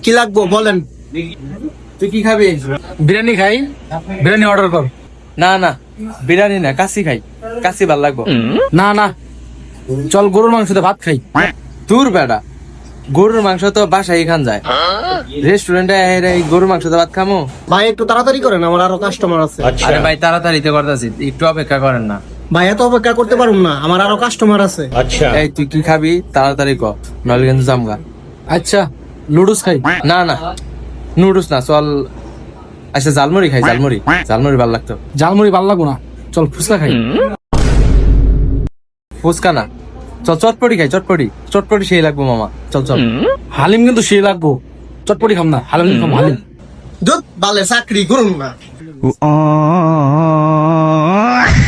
কি লাগবো বলেন। তুই কি খাবি? বিরিয়ানি খাই, বিরিয়ানি অর্ডার কর। না না, বিরিয়ানি না, কাশি খাই, কাশি ভাল লাগবো। না না, চল গরুর মাংসতে ভাত খাই। দূর বেটা, গরুর মাংস তো বাসায় খান যায়, রেস্টুরেন্টে গরুর মাংস তো ভাত খামো? ভাই একটু তাড়াতাড়ি করেন, আমার আরো কাস্টমার আছে। আরে ভাই তাড়াতাড়িতে করতেছি, একটু অপেক্ষা করেন না। ভাই এত অপেক্ষা করতে পারুম না, আমার আরো কাস্টমার আছে। এই তুই কি খাবি তাড়াতাড়ি ক, নইলে কিন্তু জামগা। আচ্ছা, লুডুস খাই। না না, নুডলস না, চল আচ্ছা জালমুড়ি খাই, জালমুড়ি, জালমুড়ি ভাল লাগতো। ঝালমুড়ি ভালো লাগবো না, চল ফুচকা খাই। ফুচকা না, চল চটপটি খাই, চটপটি, চটপটি সেই লাগবো মামা, চল চল। হালিম কিন্তু সে লাগবো, চটপটি খাম না, হালিম খাম, হালিম। দুধ বালে চাকরি করুন না।